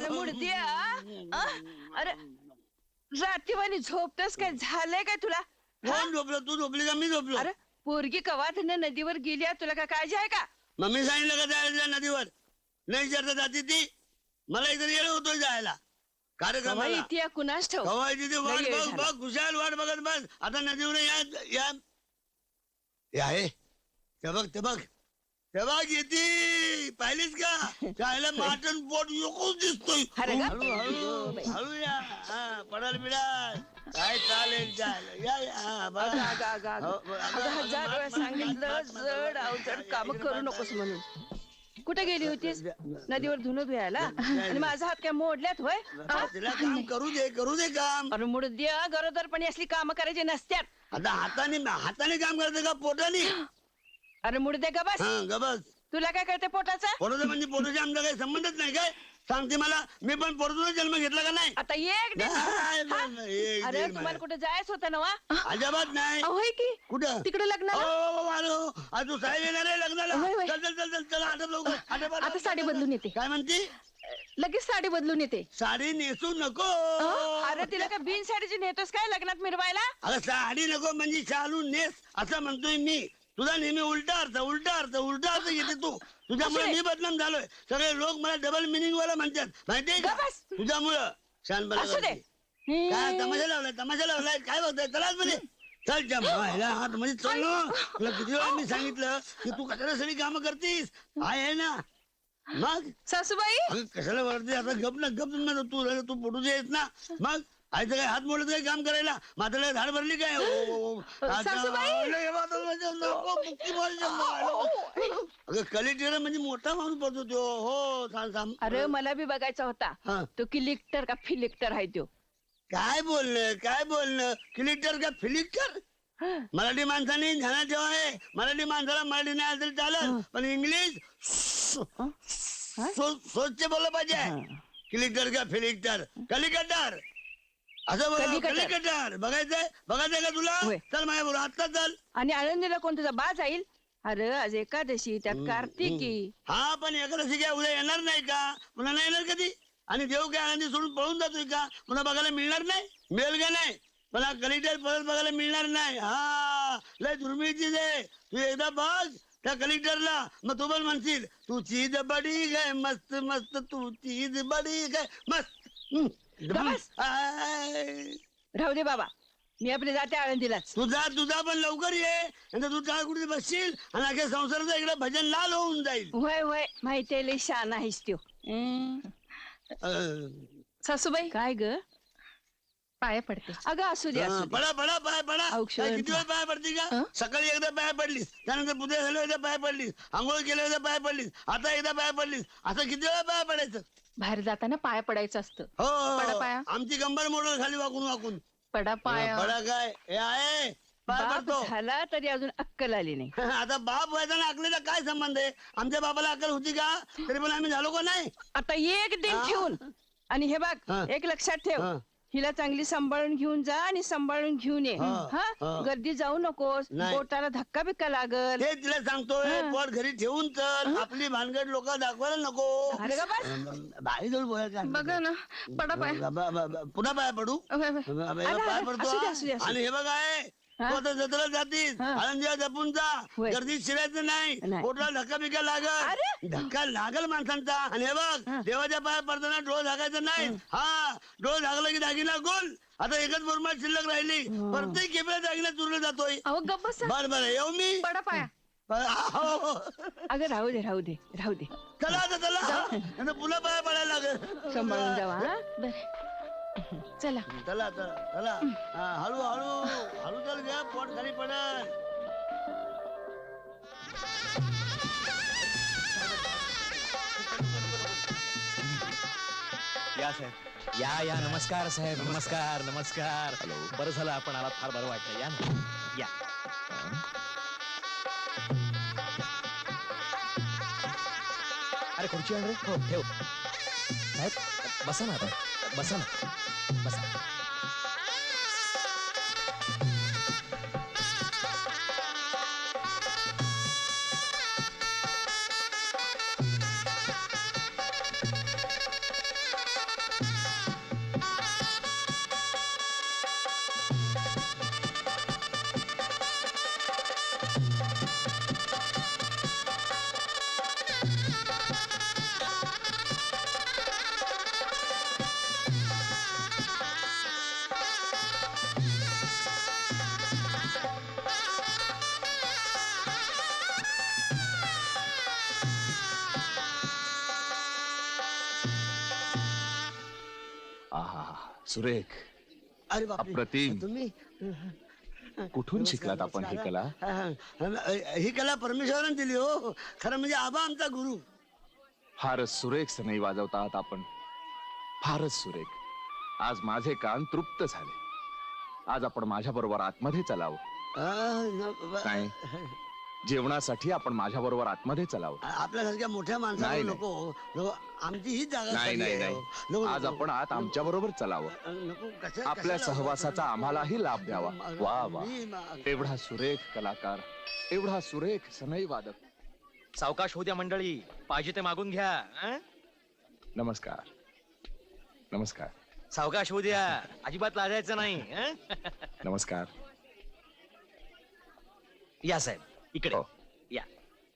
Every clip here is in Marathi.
अरे मुडद्या अरे रात्रीवाणी झोपतस काय झालंय काय तुला कोण झोपलं? तू झोपली का मी झोपलो? अरे पोरगी कवाधन नदीवर गेली तुला काय काळजी आहे का? मम्मी सांगितलं का जायला नदीवर? नाही विचारता जाती ती. मला इथे येणं होतोय जायला कार्यक्रमाला. इतिया कुणास ठाऊक. कवाय तिथे वाट लय वेळ बघ झाला. बघ खुशाल वाट बघत बस. आता नदीवर या आहे ते बघ ते बघ ते बघ येते. पाहिलीस का? त्याला माटण पोट योकूच दिसतोय. अरे गा. हळू हळू हळू या. हा पडाल बिडाल काय चालेल चालेल या या. हा, बघा. अगं, हजार वेळा सांगितलं जड अवजड काम करू नकोस म्हणून. कुठे गेली होतीस? नदीवर धुणं धुयाला आणि माझा हात काय मोडल्यात होय? तिला काम करू दे काम. अरे मुडद्या गरोदरपणी असली काम करायची नसत्यात. आता हाताने काम करते का पोटाने? अरे मुडद्या गबस. हा गबस. तुला काय कळते पोटाचं? पोटाचं म्हणजे पोटाशी आमचा काही संबंधच नाही काय? सांगते मला. मी पण पोटातूनच जन्म घेतला का नाही? आता एक दीड. अरे तुम्हाला कुठे जायचं होतं ना वा? अजिबात नाही. होय की कुठं? तिकडे लग्नाला. आज तू साहेब येणार आहे लग्नाला. होय, होय. चल चल चल चल चल आटप लवकर आटप. आता साडी बदलून येते. काय म्हणते? लगेच साडी बदलून येते. साडी नेसू नको. अरे तिला काय बिन साडीची नेतोस काय लग्नात मिरवायला? अगं साडी नको म्हणजे शालू नेस असं म्हणतोय मी. तुझा नेहमी उलटा अर्थ घेते तू. तुझ्यामुळे मी बदनाम झालोय. सगळे लोक मला डबल मिनिंग वाला म्हणतात माहितीये का? गबस. तुझ्यामुळं शानपणा असू दे. करते. काय तमाशा लावलाय काय बघताय? चलाच मध्ये चल जमायला हात मध्ये चल ना. तुला किती वेळा मी सांगितलं की तू कशाला सगळी कामं करतीस? आहे ना मग. सासूबाई अगं कशाला वरती आता गप ना तू पडू देत ना. मग आयचं काय हात मोडलं काय काम करायला? म्हाताला झाड भरली काय? अगं कलेक्टर म्हणजे मोठा माणूस पडतो तो. हो सांग. अरे मला बी बघायचा होता. हा. तो किलिक्टर का फिलिक्टर आहे तो. काय बोलणं कलेक्टर का फिलिक्टर? मराठी माणसाने ध्यानात ठेवा आहे. मराठी माणसाला मराठी नाही असेल चालत पण इंग्लिश सोच बोललं पाहिजे. कलेक्टर का फिलिक्टर? कलिकटर असं बोल. कलिकटर बघायचंय का तुला? होय. चल माझ्या बरोबर आत्ता चल. आणि आनंदीला कोण तुझा बा जाईल? अरे आज एकादशी त्यात कार्तिकी. हा पण एखादशी काय उद्या येणार नाही का? पुन्हा नाही येणार कधी? आणि देव काय आनंदी सोडून पळून जातोय का? पुन्हा बघायला मिळणार नाही? मिळेल का नाही? पण कलेक्टर परत बघायला मिळणार नाही. हा लय दुर्मिळ चीज आहे. तू एकदा बघ त्या कलेक्टरला मग तू पण म्हणशील तू चीज बडी काय मस्त मस्त तू चीज बडी काय मस्त. बस. राहू दे बाबा मी आपले जाते आळंदीलाच. तुझा पण लवकर ये. नंतर तू त्या कुठे बसशील आणि अख्या संसाराचं इकडे भजन लाल होऊन जाईल. होय माहिती लय शान आहेस त्यो. सासूबाई काय ग? पाया पडते. अगं असू दे पडा पाय पडा. औक्षण. काय किती वेळ पाय पडते का? सकाळी एकदा पाय पडलीस, त्यानंतर पुढे झालं एकदा पाय पडलीस, आंघोळ केलं एकदा पाय पडलीस, आता एकदा पाय पडलीस. असं किती वेळा पाय पडायचं? बाहेर जाताना पाया पडायचं असतं. पडा पाया. आमची कंबर मोडल खाली वाकून. पडा पाया. पडा काय हे आहे? पाय बाप पडतो. झाला तरी अजून अक्कल आली नाही. आता बाप व्हायचा ना अकलेला काय संबंध आहे? आमच्या बाबाला अक्कल होती का? तरी पण आम्ही झालो का नाही? आता एक दिन ठेवून आणि हे बघ एक लक्षात ठेव. हिला चांगली सांभाळून घेऊन जा आणि सांभाळून घेऊन ये. हा गर्दी जाऊ नकोस. नाही. पोटाला धक्का बिक्का लागल. ते तिला सांगतोय पोट घरी ठेवून चल. आपली भानगड लोक दाखवायला नको. अरे का बस. बाई जवळ बोलायचं. बघा ना पडा पाया. पुन्हा पाय पडू. होय, होय. पाय पडतो. असू दे. आणि हे बघ आहे तू आता जत्रा जातीस आनंदीला जपून जा. होय. गर्दीत शिरायचं नाही. नाही. पोटाला धक्का बिक्का लागल. अरे. धक्का लागल माणसांचा. आणि हे बघ देवाच्या पाया पडताना डोळ झाकायचं नाही. हा डोळ झाकला की दागिना गोल. आता एकच मुरमाड शिल्लक राहिली. प्रत्येक केबळ्या दागिना चुरला जातोय. अहो गप्प बसा. बरं येऊ मी. पडा पाया. अगं राहू दे. चला आता चला. पुन्हा पाया पडायला लागेल. सांभाळून जावा. हा? चला. चला. हळू चल घ्या. पोट खाली पडल. या साहेब या नमस्कार साहेब. नमस्कार. बरं झालं आपण आलात. फार बरं वाटलं. या ना या. अरे खुर्ची आण रे. हो ठेव साहेब. बसा ना आता. बसा. सुरेख, अरे बापरे, अप्रतिम. तुम्ही कुठून शिकलात आपण ही कला? ही कला परमेश्वराने दिली हो. खरं म्हणजे आबा आमचा गुरु. फारच सुरेख सनई वाजवतात आपण, फारच सुरेख. आज माझे कान तृप्त झाले. आज आपण माझ्या बरोबर आतमध्ये चलावं. नाही, जेवणासाठी आपण माझ्या बरोबर आतमध्ये चलावं. आपल्यासारख्या मोठ्या माणसाला नाही, नको. आमची ही जागा नाही खाली नाही आहे, नाही हो. नको, आज नको. आपण आत आमच्या बरोबर चलावं. नको, आपल्या कशाला- सहवासाचा आम्हालाही लाभ द्यावा. वा वा, मी- एवढा सुरेख कलाकार, एवढा सुरेख सनई वादक. सावकाश होऊ द्या मंडळी, पाहिजे ते मागून घ्या. हं? नमस्कार, नमस्कार, सावकाश होऊ द्या, अजिबात लाजायचं नाही. हं? नमस्कार. या साहेब इकडे हो. या.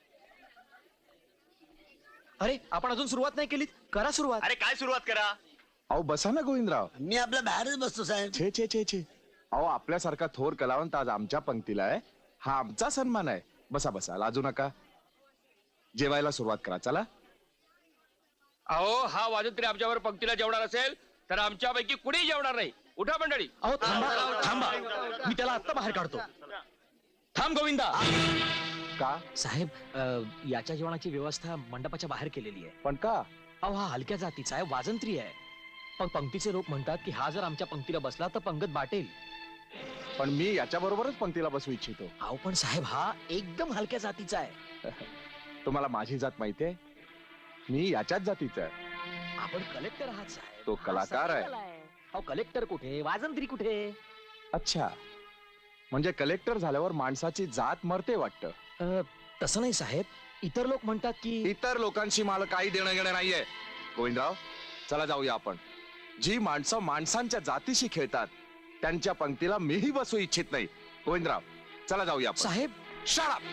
अरे आपण अजून सुरुवात नाही केली, करा सुरुवात. अरे काय सुरुवात करा. अहो बसा ना गोविंदराव. मी आपल्या बाहेरच बसतो साहेब. छे छे छे छे. अहो आपल्यासारखा थोर कलावंत आज आमच्या पंक्तीला आहे, हा आमचा सन्मान आहे. बसा बसा, लाजू नका. जेवायला सुरुवात करा, चला. अहो हा वाजत तरी आमच्यावर पंक्तीला जेवणार असेल तर आमच्यापैकी कुणीही जेवणार नाही. उठा मंडळी. अहो थांबा थांबा, मी त्याला आत्ता बाहेर काढतो. थांब गोविंदा. का? साहेब याच्या जेवणाची व्यवस्था मंडपाच्या बाहेर केलेली आहे. पण का? अहो हा हलक्या जातीचा आहे, वाजंत्री आहे. पण पंक्तीचे लोक म्हणतात की हा जर आमच्या पंक्तीला बसला तर पंगत बाटेल. पण मी याच्या बरोबरच पंक्तीला बसू इच्छितो. अहो पण साहेब हा एकदम हलक्या जातीचा आहे. तुम्हाला माझी जात माहितीये, मी याच्याच जातीचा आहे. आपण कलेक्टर आहात साहेब. तो कलाकार आहे. अहो कलेक्टर कुठे, वाजंत्री कुठे? अच्छा, म्हणजे कलेक्टर झाल्यावर माणसाची जात मरते वाटतं. तसं नाही साहेब, इतर लोक म्हणतात की इतर लोकांशी मला काही देणं घेणं नाहीये. गोविंदराव, चला जाऊया आपण. जी माणसं माणसांच्या जातीशी खेळतात त्यांच्या पंक्तीला मीही बसू इच्छित नाही. गोविंदराव, चला जाऊया आपण. साहेब Shut up!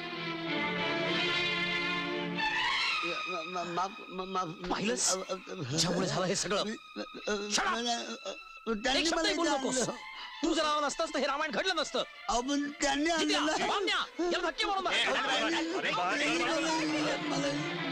पाहिलंस? हिच्यामुळे झालं हे सगळं. Shut up! एक शब्दही बोलू नकोस. तू जर आला नसतास तर हे रामायण घडलं नसतं. त्यांनी किती आणलेलं- बामण्या, याला धक्के मारून मार. अरे, मला-